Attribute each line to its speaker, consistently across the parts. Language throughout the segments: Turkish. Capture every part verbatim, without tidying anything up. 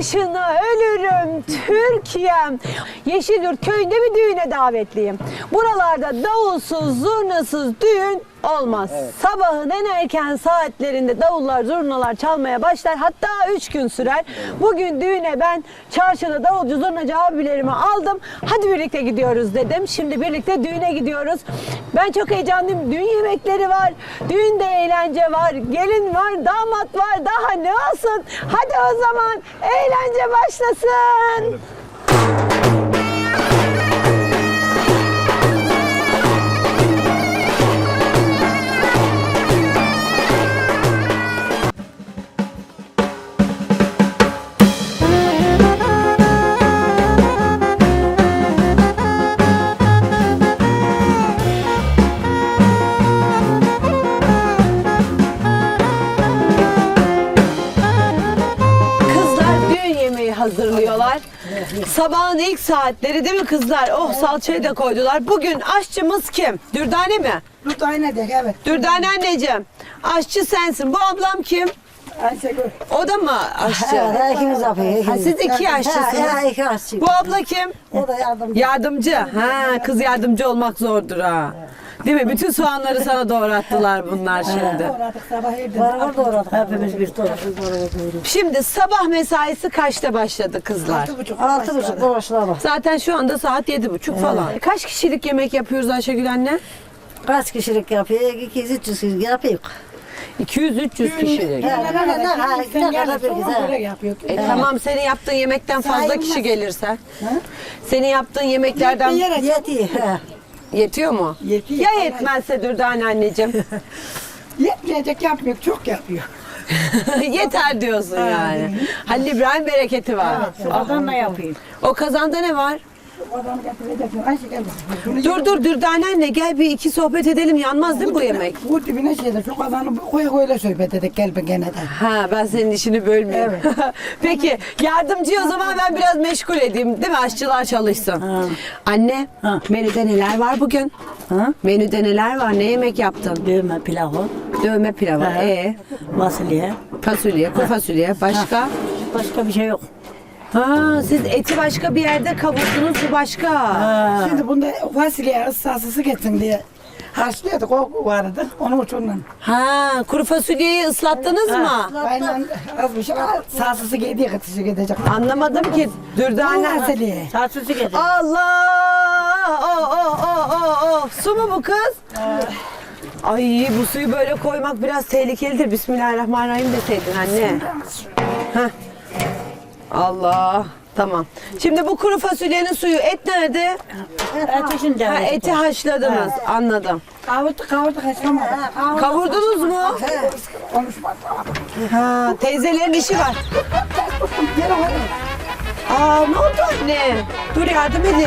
Speaker 1: başına ölürüm Türkiye'm. Yeşilyurt köyünde bir düğüne davetliyim. Buralarda davulsuz, zurnasız düğün olmaz. Evet. Sabahın en erken saatlerinde davullar, zurnalar çalmaya başlar. Hatta üç gün sürer. Evet. Bugün düğüne ben çarşıda davulcu, zurnacı abilerimi aldım. Hadi birlikte gidiyoruz dedim. Şimdi birlikte düğüne gidiyoruz. Ben çok heyecanlıyım. Düğün yemekleri var. Düğünde eğlence var. Gelin var, damat var. Daha ne olsun? Hadi o zaman eğlence başlasın. Evet. Hazırlıyorlar. Sabahın ilk saatleri değil mi kızlar? Oh, salçayı da koydular. Bugün aşçımız kim? Dürdane mi?
Speaker 2: Dürdane de, evet.
Speaker 1: Dürdane anneciğim. Aşçı sensin. Bu ablam kim?
Speaker 2: Ayşegül.
Speaker 1: O da mı aşçı?
Speaker 3: Evet, ikimiz yapıyoruz.
Speaker 1: Ha, siz iki aşçısınız.
Speaker 3: Ha, iki aşçı.
Speaker 1: Bu abla kim?
Speaker 3: O da yardımcı.
Speaker 1: Yardımcı. Ha, kız yardımcı olmak zordur ha. Değil mi? Bütün soğanları sana doğrattılar bunlar şimdi.
Speaker 2: Doğradık sabah evde.
Speaker 3: Beraber doğradık. Hepimiz bir doğradık.
Speaker 1: Şimdi sabah mesaisi kaçta başladı kızlar?
Speaker 2: Altı buçuk.
Speaker 3: Altı buçuk başladı.
Speaker 1: Zaten şu anda saat yedi buçuk falan. Kaç kişilik yemek yapıyoruz Ayşegül anne?
Speaker 3: Kaç kişilik yapıyor? iki yüz üç yüz kişilik yapıyor.
Speaker 1: iki yüz üç yüz kişilik.
Speaker 3: Ne ne ne ne ne kadar
Speaker 2: Böyle
Speaker 3: bir
Speaker 2: yapıyor.
Speaker 1: E tamam, senin yaptığın yemekten fazla kişi gelirse. Senin yaptığın yemeklerden
Speaker 3: yetiyor.
Speaker 1: yetiyor mu?
Speaker 2: Yetiyor.
Speaker 1: Ya yetmezse Dürdane anneciğim?
Speaker 2: Yetmeyecek yapmıyor, çok yapıyor.
Speaker 1: Yeter diyorsun yani. Halil İbrahim bereketi var.
Speaker 3: Kazanla yapıyor.
Speaker 1: O kazanda ne var?
Speaker 2: Adamı getireceksin. Ayşe gel.
Speaker 1: Dur dur Dürdane anne, gel bir iki sohbet edelim, yanmaz değil mi bu yemek?
Speaker 2: Bu dibine şeyde çok adamı koya koyla sohbet edek gel be gene de.
Speaker 1: Ha, ben senin işini bölmeyeyim.
Speaker 2: Evet.
Speaker 1: Peki yardımcıyı o zaman ben biraz meşgul edeyim değil mi? Aşçılar çalışsın.
Speaker 3: Ha.
Speaker 1: Anne,
Speaker 3: Ha.
Speaker 1: menüde neler var bugün?
Speaker 3: Ha?
Speaker 1: Menüde neler var? Ne yemek yaptın?
Speaker 3: Dövme pilavı.
Speaker 1: Dövme pilavı.
Speaker 3: Ha.
Speaker 1: Ee,
Speaker 3: Fasulye.
Speaker 1: fasulye, kuru fasulye. Başka?
Speaker 3: Başka bir şey yok.
Speaker 1: Ha, siz eti başka bir yerde kavurdunuz, bu başka.
Speaker 3: Ha.
Speaker 2: Şimdi bunda fasulye ıssasısı geçsin diye haşlıyorduk, o vardı. Onun için.
Speaker 1: Ha, kuru fasulyeyi ıslattınız mı?
Speaker 2: Aynen az bir şey sasısı giydiği kıtışı gidecek.
Speaker 1: Anlamadım ki. Dürdane.
Speaker 2: Fasulye.
Speaker 3: Saçsızı getir.
Speaker 1: Allah! Oh, oh, oh, oh, oh. Su mu bu kız? Ay, bu suyu böyle koymak biraz tehlikelidir. Bismillahirrahmanirrahim deseydin anne. Heh. Allah. Tamam. Şimdi bu kuru fasulyenin suyu, et nerede?
Speaker 3: Ateşinde.
Speaker 1: Ha, eti haşladınız. Anladım.
Speaker 2: Kavurduk kavurduk haşlamadık.
Speaker 1: Kavurdunuz mu?
Speaker 2: Konuşmadık.
Speaker 1: Ha, teyzelerin işi var.
Speaker 2: Gel oğlum.
Speaker 1: Aa, ne oldu anne? Dur yardım edin.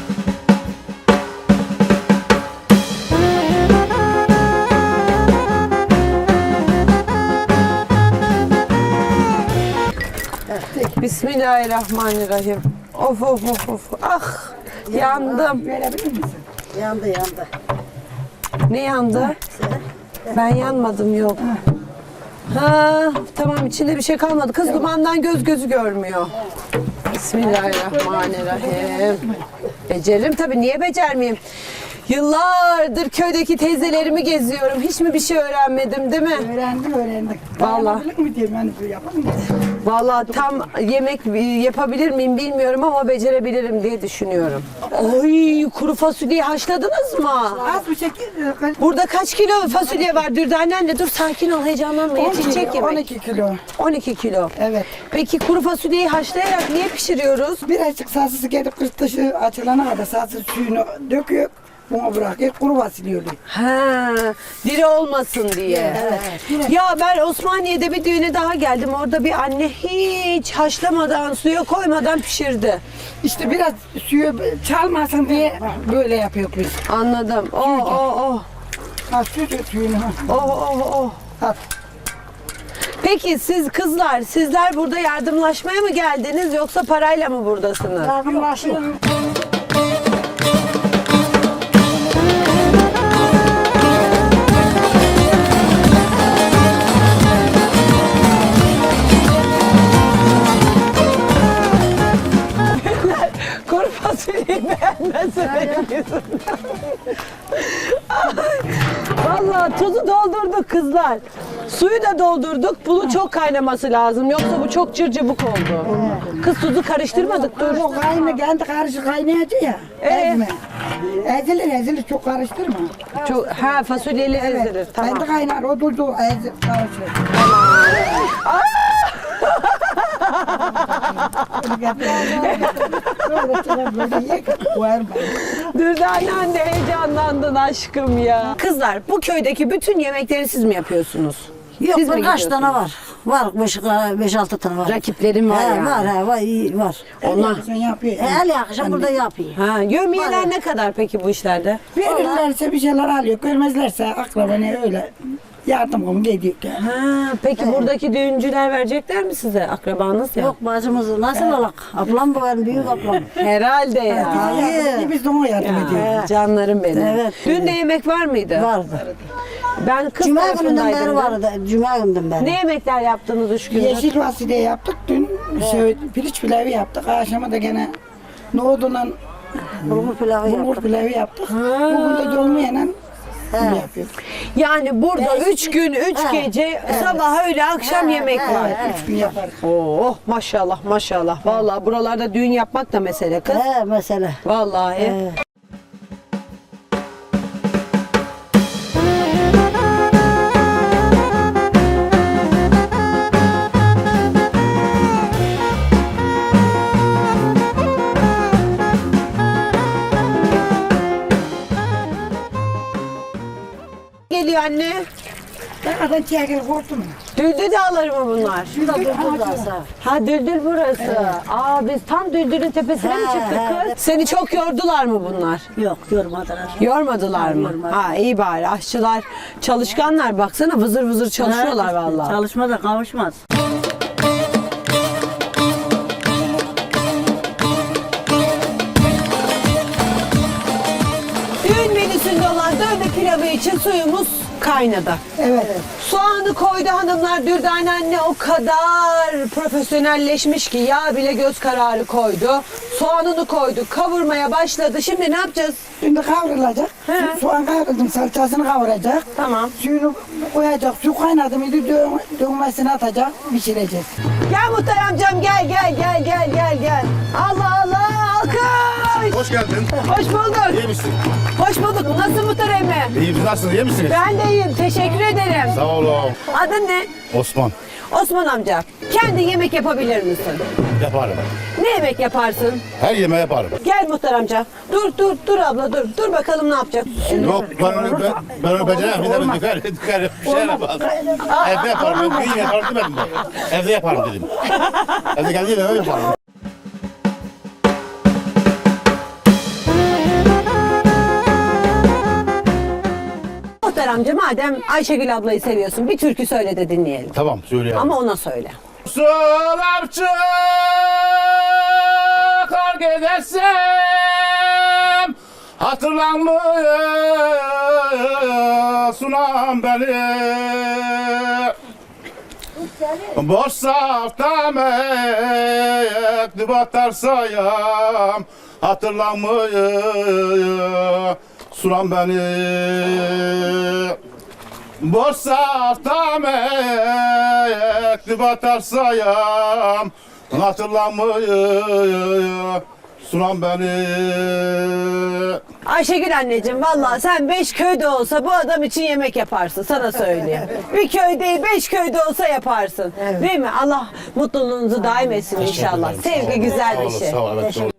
Speaker 1: Bismillahirrahmanirrahim. Of of of of. Ah, yandım.
Speaker 2: Verebilir misin?
Speaker 3: Yandı yandı.
Speaker 1: Ne yandı? Ben yanmadım, yok. Ha, tamam, içinde bir şey kalmadı. Kız dumandan göz gözü görmüyor. Bismillahirrahmanirrahim. Beceririm tabii, niye becermeyeyim? Yıllardır köydeki teyzelerimi geziyorum. Hiç mi bir şey öğrenmedim değil mi?
Speaker 2: Öğrendik öğrendik.
Speaker 1: Vallahi.
Speaker 2: Dayanabilir mi diyeyim yani bu yapamam.
Speaker 1: Vallahi tam yemek yapabilir miyim bilmiyorum ama becerebilirim diye düşünüyorum. Oy, kuru fasulyeyi haşladınız mı?
Speaker 2: Az bir şekilde
Speaker 1: Burada kaç kilo fasulye var Dürdane anne? Dur, sakin ol, heyecanlanma, yetişecek yemek.
Speaker 2: on iki kilo.
Speaker 1: on iki kilo.
Speaker 2: Evet.
Speaker 1: Peki kuru fasulyeyi haşlayarak niye pişiriyoruz?
Speaker 2: Birazcık sasısı gelip kız dışı açılana kadar sası suyunu döküyor. Buna bırakıyor. Kuru fasulye oluyor.
Speaker 1: Ha, diri olmasın diye.
Speaker 2: Evet.
Speaker 1: Ya ben Osmaniye'de bir düğüne daha geldim. Orada bir anne hiç haşlamadan, suya koymadan pişirdi.
Speaker 2: İşte biraz suyu çalmasın diye böyle yapıyor biz.
Speaker 1: Anladım. Oh oh oh.
Speaker 2: Ha su dök suyunu. ha.
Speaker 1: Oh oh oh.
Speaker 2: At.
Speaker 1: Peki siz kızlar, sizler burada yardımlaşmaya mı geldiniz yoksa parayla mı buradasınız?
Speaker 3: Yardımlaşıyor.
Speaker 1: gelmez benim yüzümden. Vallahi tuzu doldurduk kızlar. Suyu da doldurduk. Bunun çok kaynaması lazım. Yoksa bu çok cırcıbık oldu. Kız tuzu karıştırmadık dur.
Speaker 2: O kaynağı kendi karışık kaynayacak ya.
Speaker 1: Ee?
Speaker 2: Ezme. Ezilir ezilir çok karıştırma.
Speaker 1: Çok, ha fasulyeli ezilir. Tamam.
Speaker 2: Kendi kaynar o tuzu ezir karışır.
Speaker 1: Dürdane anne heyecanlandın aşkım ya. Kızlar bu köydeki bütün yemekleri siz mi yapıyorsunuz?
Speaker 3: Yok
Speaker 1: Siz mi
Speaker 3: kaç tane
Speaker 1: gidiyorsunuz?
Speaker 3: var? Var beş, beş altı tane var.
Speaker 1: Rakiplerim var
Speaker 3: He,
Speaker 1: yani.
Speaker 3: Var he, var iyi var.
Speaker 1: Onlar.
Speaker 2: Sen yapıyor.
Speaker 3: He, el akşam burada yapıyor.
Speaker 1: Ha, yövmiyeler
Speaker 3: Var.
Speaker 1: ne kadar peki bu işlerde?
Speaker 2: Verirlerse bir şeyler alıyor. Görmezlerse akrabana öyle yardım komu ediyor. Yani.
Speaker 1: Ha, peki buradaki düğüncüler verecekler mi size? Akrabanız ya.
Speaker 3: Yok bacımız nasıl olak? Ablam bu benim büyük ablam.
Speaker 1: Herhalde ya.
Speaker 2: Yardım, biz de ona yardım ediyoruz.
Speaker 1: Ha, canlarım benim.
Speaker 3: Evet.
Speaker 1: Dün de yemek var mıydı?
Speaker 3: Vardı.
Speaker 1: Ben kız
Speaker 3: Cuma gününden beri
Speaker 1: tarafındaydım.
Speaker 3: vardı. Cuma gününden beri.
Speaker 1: Ne yemekler yaptınız üç gündür?
Speaker 2: Yeşil fasulye yaptık dün. Şey, pirinç pilavı yaptık. Akşama da gene nohudunla
Speaker 3: Bulgur pilavı
Speaker 2: bulgur
Speaker 3: yaptık.
Speaker 2: pilavı yaptık. Bugün de dolmayla bunu yapıyoruz.
Speaker 1: Yani burada
Speaker 3: Evet.
Speaker 1: üç gün, üç
Speaker 3: Evet.
Speaker 1: gece, sabah öğle, akşam yemek var.
Speaker 2: Evet, üç gün yaparız.
Speaker 1: Oh maşallah maşallah. Vallahi buralarda düğün yapmak da mesele kız.
Speaker 3: He mesela.
Speaker 1: Vallahi.
Speaker 3: He.
Speaker 1: Geliyor anne.
Speaker 2: Dağdan çekil korktu mu?
Speaker 1: Düldül dağları mı bunlar?
Speaker 3: Şurada durdu da sağ.
Speaker 1: Ha Düldül burası. Aa biz tam Düldül'ün tepesine mi
Speaker 3: He,
Speaker 1: çıktık
Speaker 3: he.
Speaker 1: kız? Seni çok yordular mı bunlar?
Speaker 3: Yok yormadılar.
Speaker 1: Yormadılar mı?
Speaker 3: Yormadı.
Speaker 1: Ha iyi bari. Aşçılar çalışkanlar baksana vızır vızır çalışıyorlar vallahi.
Speaker 3: Çalışma da kavuşmaz.
Speaker 1: Düğün menüsünde olan dövme pilavı için suyumuz kaynadı.
Speaker 2: Evet.
Speaker 1: Soğanı koydu hanımlar. Dürdane anne o kadar profesyonelleşmiş ki yağ bile göz kararı koydu. Soğanını koydu. Kavurmaya başladı. Şimdi ne yapacağız?
Speaker 2: Şimdi kavrulacak.
Speaker 1: He.
Speaker 2: Su- Soğan kavruldu, salçasını kavuracak.
Speaker 1: Tamam.
Speaker 2: Suyunu koyacak. Su kaynadı mıydı dö- dönmesini atacak. Pişireceğiz.
Speaker 1: Gel Muhtar amcam gel gel gel gel gel gel. Allah Allah alkış.
Speaker 4: Hoş geldin.
Speaker 1: Hoş bulduk.
Speaker 4: İyi misin?
Speaker 1: Hoş bulduk. Nasıl Muhtar emmi?
Speaker 4: İyi misiniz? Nasılsınız? İyi misiniz?
Speaker 1: Ben de iyiyim. Teşekkür ederim.
Speaker 4: Sağ olun.
Speaker 1: Adın ne?
Speaker 4: Osman.
Speaker 1: Osman amca. Kendi yemek yapabilir misin?
Speaker 4: Yaparım.
Speaker 1: Ne yemek yaparsın?
Speaker 4: Her yemeği yaparım.
Speaker 1: Gel Muhtar amca. Dur dur dur abla dur. Dur bakalım ne yapacak.
Speaker 4: Yok ben onu ben, ben onu beceremem. Bir de ben döker, döker bir şey yapmaz. Evde yaparım. Ben düğün yaparım demedim ben. Evde yaparım dedim. Evde geldiğim eve yaparım.
Speaker 1: Muhtar amca madem Ayşegül ablayı seviyorsun bir türkü söyle de dinleyelim.
Speaker 4: Tamam söyleyeyim.
Speaker 1: Ama ona söyle.
Speaker 4: Sular kar gidersem hatırlanmıyor sunam beni. Boş safta mektup atarsayam hatırlanmıyor sunam beni. Boş safta mektup atarsayam hatırlanmıyor sunam beni.
Speaker 1: Ayşegül anneciğim vallahi sen beş köyde olsa bu adam için yemek yaparsın sana söyleyeyim. Bir köy değil beş köyde olsa yaparsın. Değil mi? Allah mutluluğunuzu daim etsin inşallah.
Speaker 4: Teşekkür ederim. Sağ
Speaker 1: Sevgi
Speaker 4: olun.
Speaker 1: güzel
Speaker 4: Sağ
Speaker 1: bir
Speaker 4: olun,
Speaker 1: şey.
Speaker 4: Sağ olun, evet, doğru.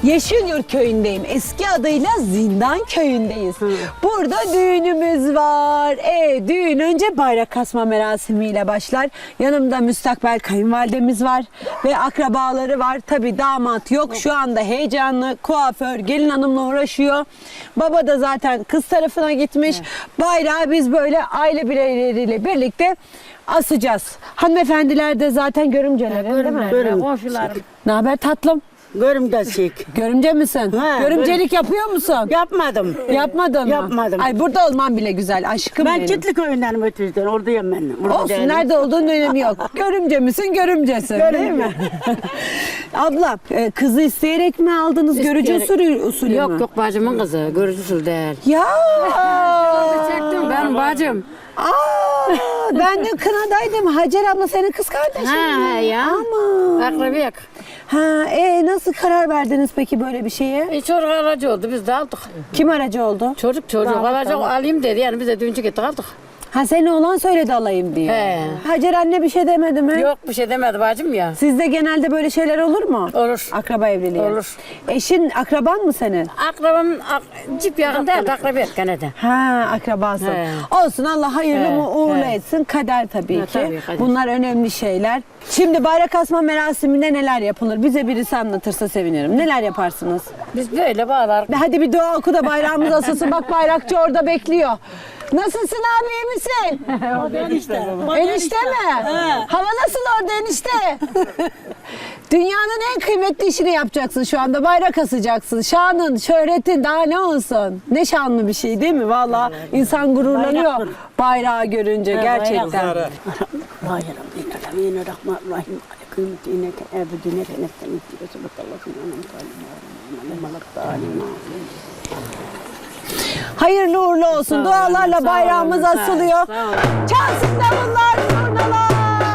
Speaker 1: Yeşilyurt köyündeyim. Eski adıyla Zindan köyündeyiz. Burada düğünümüz var. E, düğün önce bayrak kasma merasimiyle başlar. Yanımda müstakbel kayınvalidemiz var ve akrabaları var. Tabii damat yok. Şu anda heyecanlı. Kuaför gelin hanımla uğraşıyor. Baba da zaten kız tarafına gitmiş. Bayrağı biz böyle aile bireyleriyle birlikte asacağız. Hanımefendiler de zaten görümcelerin değil mi?
Speaker 3: Görüm, komşularım.
Speaker 1: Ne haber tatlım?
Speaker 3: Görümcesik.
Speaker 1: Görümce misin?
Speaker 3: Ha,
Speaker 1: Görümcelik yapıyor musun?
Speaker 3: Yapmadım.
Speaker 1: Yapmadın mı?
Speaker 3: Yapmadım.
Speaker 1: Ay burada olman bile güzel aşkım
Speaker 3: Ben
Speaker 1: benim.
Speaker 3: Kitli köyünden ötürden oradayım ben. Burada
Speaker 1: Olsun
Speaker 3: değilim.
Speaker 1: nerede olduğunun önemi yok. Görümce misin görümcesin değil mi? Abla e, kızı isteyerek mi aldınız? Görücü usulü, usulü
Speaker 5: Yok
Speaker 1: mü?
Speaker 5: yok bacımın kızı. Görücü usul değil.
Speaker 1: Ya.
Speaker 5: Çektim ben bacım.
Speaker 1: Aa, ben de kınadaydım. Hacer abla senin kız kardeşin
Speaker 5: Ha
Speaker 1: mi?
Speaker 5: he ya.
Speaker 1: Ama.
Speaker 5: Akrabiyek.
Speaker 1: Ha, e, nasıl karar verdiniz peki böyle bir şeye?
Speaker 5: E, çocuk aracı oldu biz de aldık.
Speaker 1: Kim aracı oldu?
Speaker 5: Çocuk çocuk
Speaker 1: Damat,
Speaker 5: aracı
Speaker 1: damat.
Speaker 5: alayım dedi yani biz de düğüncü gittik aldık.
Speaker 1: Ha senin oğlan söyledi alayım diye.
Speaker 5: He.
Speaker 1: Hacer anne bir şey demedi mi?
Speaker 5: Yok bir şey demedi bacım ya.
Speaker 1: Sizde genelde böyle şeyler olur mu?
Speaker 5: Olur.
Speaker 1: Akraba evliliği.
Speaker 5: Olur.
Speaker 1: Eşin akraban mı senin?
Speaker 5: Akrabam ak, cip yakın değil de akrabiyek gene de.
Speaker 1: Ha akrabasın.
Speaker 5: He.
Speaker 1: Olsun Allah hayırlı
Speaker 5: He,
Speaker 1: mı uğurlu
Speaker 5: he.
Speaker 1: etsin. Kader tabii
Speaker 5: He,
Speaker 1: ki.
Speaker 5: tabii, kader.
Speaker 1: Bunlar önemli şeyler. Şimdi bayrak asma merasiminde neler yapılır? Bize birisi anlatırsa sevinirim. Neler yaparsınız?
Speaker 5: Biz böyle bağlar.
Speaker 1: Hadi bir dua oku da bayrağımız asılsın. Bak bayrakçı orada bekliyor. Nasılsın abi iyi misin?
Speaker 3: Enişte.
Speaker 1: Enişte mi? Hava nasıl orada enişte? Dünyanın en kıymetli işini yapacaksın şu anda. Bayrak asacaksın. Şanın, şöhretin daha ne olsun? Ne şanlı bir şey değil mi? Vallahi insan gururlanıyor bayrağı görünce gerçekten.
Speaker 3: Bismillahirrahmanirrahim. Kıymetine ebedine nefsine
Speaker 1: Hayırlı uğurlu olsun. Dualarla
Speaker 5: sağ
Speaker 1: bayrağımız
Speaker 5: olun, sağ olun,
Speaker 1: asılıyor.
Speaker 5: sağ olun.
Speaker 1: Çalsın davullar, zurnalar.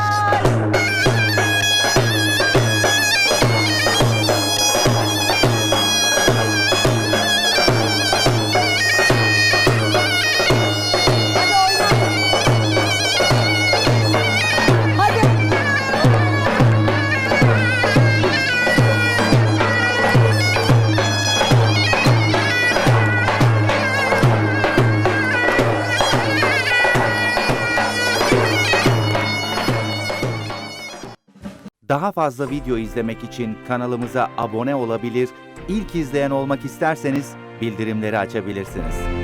Speaker 1: Hadi oyna. Hadi.
Speaker 6: Daha fazla video izlemek için kanalımıza abone olabilir, ilk izleyen olmak isterseniz bildirimleri açabilirsiniz.